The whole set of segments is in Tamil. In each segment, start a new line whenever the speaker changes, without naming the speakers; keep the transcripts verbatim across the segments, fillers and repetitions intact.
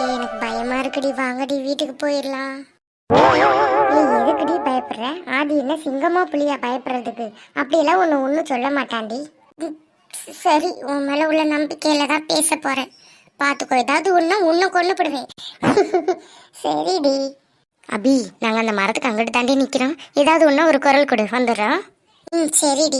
எனக்கு பயமா இருக்குடி, வாங்கடி வீட்டுக்கு போயிடலாம். ஏய், எதுக்குடி பயப்படுற? ஆதி என்ன சிங்கமா புலியா பயப்படுறதுக்கு? அப்படியெல்லாம் ஒன்று ஒன்றும் சொல்ல மாட்டான்டி. ம், சரி, உன் மேல உள்ள நம்பிக்கையில தான் பேச போறேன். பார்த்துக்கோ, ஏதாவது ஒன்றா உன்னை கொண்டுப்படுவேன். சரிடி. அபி, நாங்கள் அந்த மரத்துக்கு அங்கிட்டு தாண்டி நிற்கிறோம். ஏதாவது ஒன்றா ஒரு குரல் கொடு, வந்துடுறோம். ம், சரிடி.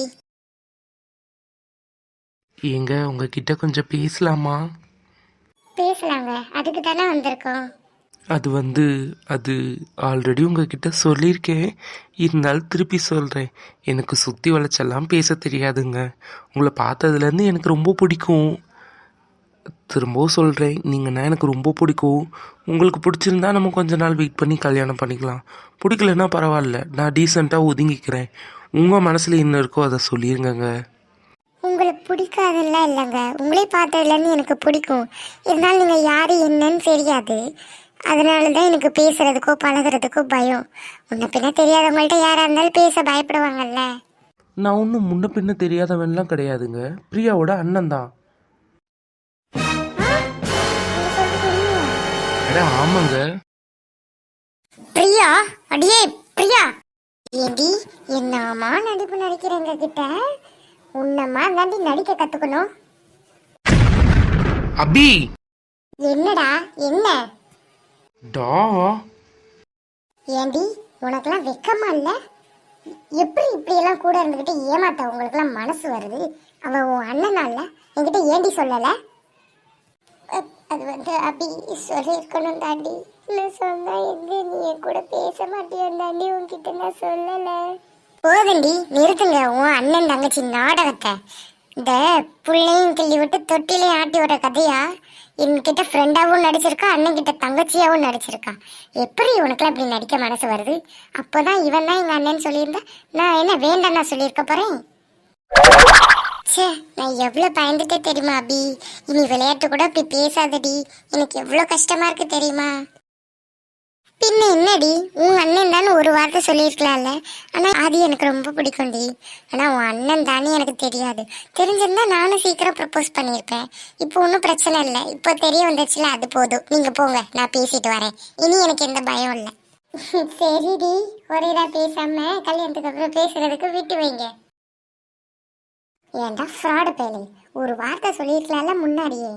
ஏங்க உங்ககிட்ட கொஞ்சம் பேசலாமா?
பேசலாங்க, அதுக்கு தானே வந்திருக்கோம்.
அது வந்து அது ஆல்ரெடி உங்ககிட்ட சொல்லியிருக்கேன், இருந்தாலும் திருப்பி சொல்கிறேன். எனக்கு சுற்றி வளைச்செல்லாம் பேச தெரியாதுங்க. உங்களை பார்த்ததுலேருந்து எனக்கு ரொம்ப பிடிக்கும். திரும்பவும் சொல்கிறேன், நீங்கன்னா எனக்கு ரொம்ப பிடிக்கும். உங்களுக்கு பிடிச்சிருந்தா நம்ம கொஞ்ச நாள் வெயிட் பண்ணி கல்யாணம் பண்ணிக்கலாம். பிடிக்கலன்னா பரவாயில்ல, நான் டீசெண்டாக ஒதுங்கிக்கிறேன். உங்கள் மனசில் என்ன இருக்கோ அதை சொல்லிடுங்கங்க.
உங்களை பிடிக்காதெல்லாம் இல்லைங்க, உங்களே பார்த்ததுலேருந்து எனக்கு பிடிக்கும். இருந்தாலும் நீங்கள் யார் என்னன்னு தெரியாது. அதனால தான் எனக்கு பேசுறதுக்கோ பழகுறதுக்கோ பயம். முன்ன பின்ன தெரியாதவங்கள்ட்ட யாராக இருந்தாலும் பேச பயப்படுவாங்கல்ல.
நான் ஒன்றும் முன்ன பின்ன தெரியாதவன்லாம் கிடையாதுங்க. பிரியாவோட அண்ணன் தான். அட ஆமாங்க.
பிரியா? அடியே பிரியா, ஏடி என்னமா நடிப்பு நடிக்கிறேங்க கிட்ட? உன்னம்மா தாண்டி நடிக்க கத்துக்கணும்.
அபி.
என்னடா என்ன?
டா.
ஏண்டி உனக்கெல்லாம் வெக்கமா இல்ல? எப்படி இப்படி எல்லாம் கூட இருந்துகிட்டு ஏமாத்த உங்களுக்கெல்லாம் மனசு வருது? அவன் உன் அண்ணனா இல்ல? என்கிட்ட ஏண்டி சொல்லல? அ- அது வந்து அபி சொல்லியிருக்கணும் தாண்டி. நான் சொன்னா எங்க நீ என் கூட பேச மாட்டேன் தாண்டி, உன்கிட்ட நான் சொல்லல. போதண்டி, நிறுத்துங்க உன் அண்ணன் தங்கச்சி நாடகத்தை. இந்த புள்ளையும் கிள்ளி விட்டு தொட்டிலையும் ஆட்டி விடுற கதையா? என்கிட்ட ஃப்ரெண்டாவும் நடிச்சிருக்கா, அண்ணன் கிட்ட தங்கச்சியாவும் நடிச்சிருக்கா. எப்படி உனக்குலாம் இப்படி நடிக்க மனசு வருது? அப்போதான் இவன் தான் எங்க அண்ணன் சொல்லியிருந்தா நான் என்ன வேண்டாம் நான் சொல்லியிருக்க போறேன். சே, நான் எவ்வளோ பயந்துட்டே தெரியுமா அபி? இனி விளையாட்டு கூட அப்படி பேசாதடி, எனக்கு எவ்வளோ கஷ்டமா இருக்கு தெரியுமா? பின்ன என்னடி, உன் அண்ணன் தானே ஒரு வார்த்தை சொல்லியிருக்கலாம்ல. ஆனால் அது எனக்கு ரொம்ப பிடிக்கும்டி. ஆனால் உன் அண்ணன் தானே எனக்கு தெரியாது. தெரிஞ்சிருந்தா நானும் சீக்கிரம் ப்ரப்போஸ் பண்ணியிருப்பேன். இப்போ ஒன்றும் பிரச்சனை இல்லை, இப்போ தெரிய வந்துச்சுல, அது போதும். நீங்கள் போங்க, நான் பேசிட்டு வரேன். இனி எனக்கு எந்த பயம் இல்லை. சரிடி, ஒரேடா பேசாம கல்யாணத்துக்கு அப்புறம் பேசுறதுக்கு விட்டு வைங்க. ஏன்டா ஃப்ராடு பேலி, ஒரு வார்த்தை சொல்லியிருக்கலாம்ல முன்னாடியே.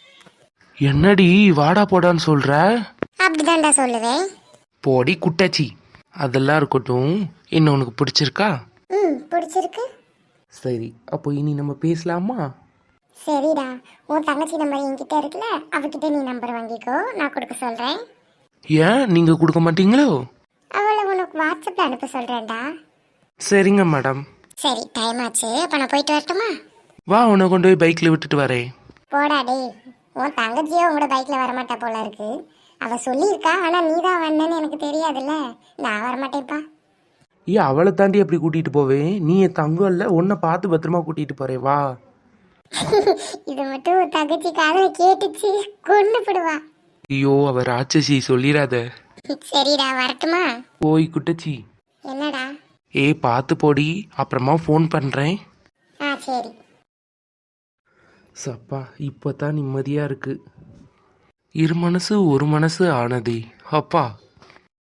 என்னடி வாடா போடான்னு சொல்ற?
அப்படிதான்டா சொல்லுவேன்.
போடி குட்டாச்சி. அதெல்லாம் இருக்கட்டும், என்ன உனக்கு பிடிச்சிருக்கா?
ம், பிடிச்சிருக்கு.
சரி, அப்போ இனி நம்ம பேசலாமா?
சரிடா, உன் தங்கச்சி நம்பர் என்கிட்ட இருக்குல்ல, அவகிட்ட நீ நம்பர் வாங்கிக்கோ, நான் கொடுக்க சொல்றேன்.
ஏன் நீங்க கொடுக்க மாட்டீங்களோ?
அவளை உனக்கு வாட்ஸ்அப்ல அனுப்ப சொல்றேன்டா.
சரிங்க மேடம்.
சரி, டைம் ஆச்சு, அப்ப நான் போயிட்டு வரட்டுமா?
வா, உன்னை கொண்டு போய் பைக்கில் விட்டுட்டு வரேன்.
போடா டேய், உன் தங்கச்சியோ உங்களோட பைக்ல வரமாட்டா போல இருக்கு. அவ சொல்லியிருக்கா, ஆனா நீ தான் வந்தேன்னு எனக்கு தெரியாதுல்ல. நான் வரமாட்டேன்ப்பா.
ஏன் அவளை தாண்டி அப்படி கூட்டிட்டு போவேன்? நீ என் தங்கம் இல்லை, உன்னை பார்த்து பத்திரமா கூட்டிட்டு போறேன், வா.
இது மட்டும் உன் தங்கச்சி காதல கேட்டுச்சு, கொண்டு போடுவா.
ஐயோ, அவ ராட்சசி, சொல்லிடாத.
சரிடா, வரட்டுமா?
போய் குட்டச்சி.
என்னடா?
ஏ பார்த்து போடி, அப்புறமா ஃபோன் பண்ணுறேன்.
ஆ சரி.
சப்பா, இப்போ தான் நிம்மதியாக இருக்கு. இரு மனசு ஒரு மனசு ஆனதே அப்பா.